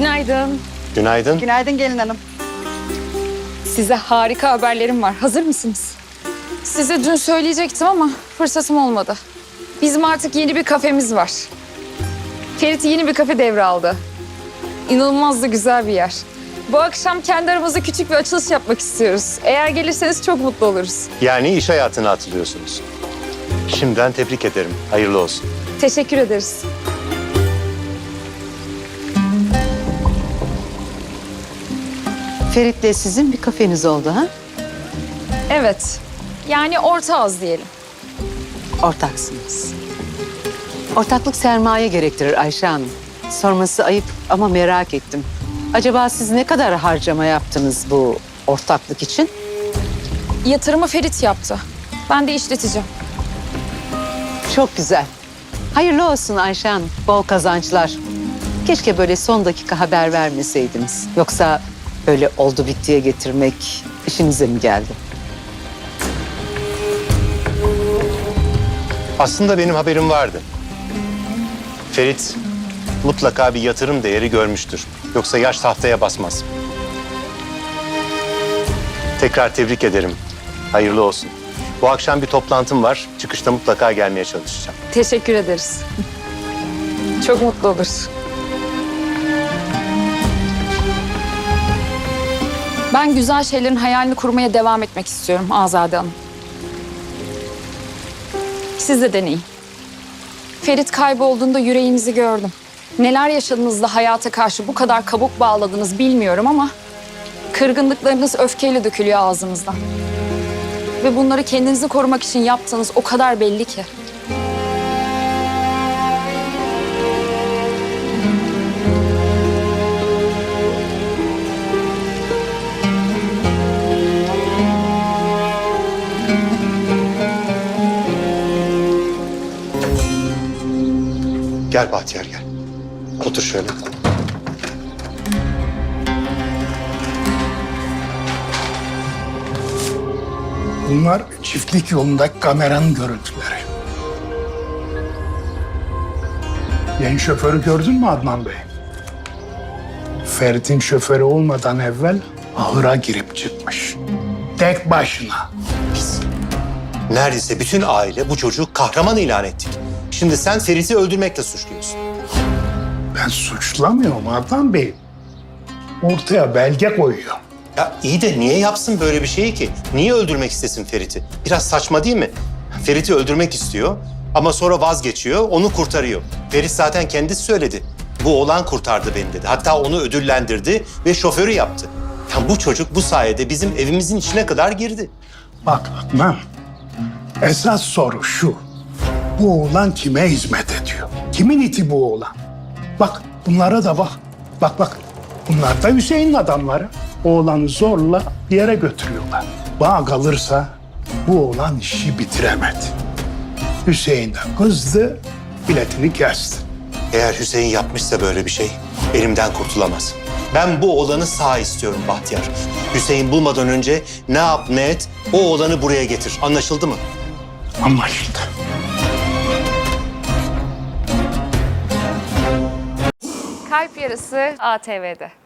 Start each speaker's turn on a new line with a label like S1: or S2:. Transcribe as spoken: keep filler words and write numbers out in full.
S1: Günaydın.
S2: Günaydın.
S3: Günaydın gelin hanım.
S1: Size harika haberlerim var. Hazır mısınız? Size dün söyleyecektim ama fırsatım olmadı. Bizim artık yeni bir kafemiz var. Ferit yeni bir kafe devraldı. İnanılmaz da güzel bir yer. Bu akşam kendi aramızda küçük bir açılış yapmak istiyoruz. Eğer gelirseniz çok mutlu oluruz.
S2: Yani iş hayatına atılıyorsunuz. Şimdiden tebrik ederim. Hayırlı olsun.
S1: Teşekkür ederiz.
S3: Ferit'le sizin bir kafeniz oldu ha?
S1: Evet. Yani orta az diyelim.
S3: Ortaksınız. Ortaklık sermaye gerektirir Ayşe Hanım. Sorması ayıp ama merak ettim. Acaba siz ne kadar harcama yaptınız bu ortaklık için?
S1: Yatırımı Ferit yaptı. Ben de işleteceğim.
S3: Çok güzel. Hayırlı olsun Ayşe Hanım. Bol kazançlar. Keşke böyle son dakika haber vermeseydiniz. Yoksa böyle oldu bittiye getirmek işinize mi geldi?
S2: Aslında benim haberim vardı. Ferit mutlaka bir yatırım değeri görmüştür. Yoksa yaş tahtaya basmaz. Tekrar tebrik ederim. Hayırlı olsun. Bu akşam bir toplantım var. Çıkışta mutlaka gelmeye çalışacağım.
S1: Teşekkür ederiz. Çok mutlu olur. Ben güzel şeylerin hayalini kurmaya devam etmek istiyorum Azade Hanım. Siz de deneyin. Ferit kaybolduğunda yüreğinizi gördüm. Neler yaşadınız da hayata karşı bu kadar kabuk bağladınız bilmiyorum ama... kırgınlıklarınız öfkeyle dökülüyor ağzınızdan. Ve bunları kendinizi korumak için yaptığınız o kadar belli ki.
S2: Gel Bahtiyar gel. Otur şöyle.
S4: Bunlar çiftlik yolundaki kameranın görüntüleri. Yeni şoförü gördün mü Adnan Bey? Ferit'in şoförü olmadan evvel ahıra girip çıkmış. Tek başına.
S2: Biz neredeyse bütün aile bu çocuğu kahraman ilan ettik. Şimdi sen Ferit'i öldürmekle suçluyorsun.
S4: Ben suçlamıyorum Adnan Bey. Ortaya belge koyuyor.
S2: Ya iyi de niye yapsın böyle bir şeyi ki? Niye öldürmek istesin Ferit'i? Biraz saçma değil mi? Ferit'i öldürmek istiyor ama sonra vazgeçiyor, onu kurtarıyor. Ferit zaten kendisi söyledi. Bu oğlan kurtardı beni dedi. Hatta onu ödüllendirdi ve şoförü yaptı. Ya bu çocuk bu sayede bizim evimizin içine kadar girdi.
S4: Bak Adnan, esas soru şu. Bu oğlan kime hizmet ediyor? Kimin iti bu oğlan? Bak bunlara da bak. Bak bak. Bunlar da Hüseyin'in adamları. Oğlanı zorla bir yere götürüyorlar. Bana kalırsa bu oğlan işi bitiremedi. Hüseyin de kızdı, biletini kesti.
S2: Eğer Hüseyin yapmışsa böyle bir şey elimden kurtulamaz. Ben bu oğlanı sağ istiyorum Bahtiyar. Hüseyin bulmadan önce ne yap ne et o oğlanı buraya getir. Anlaşıldı mı?
S4: Anlaşıldı.
S1: Kalp Yarısı A T V'de.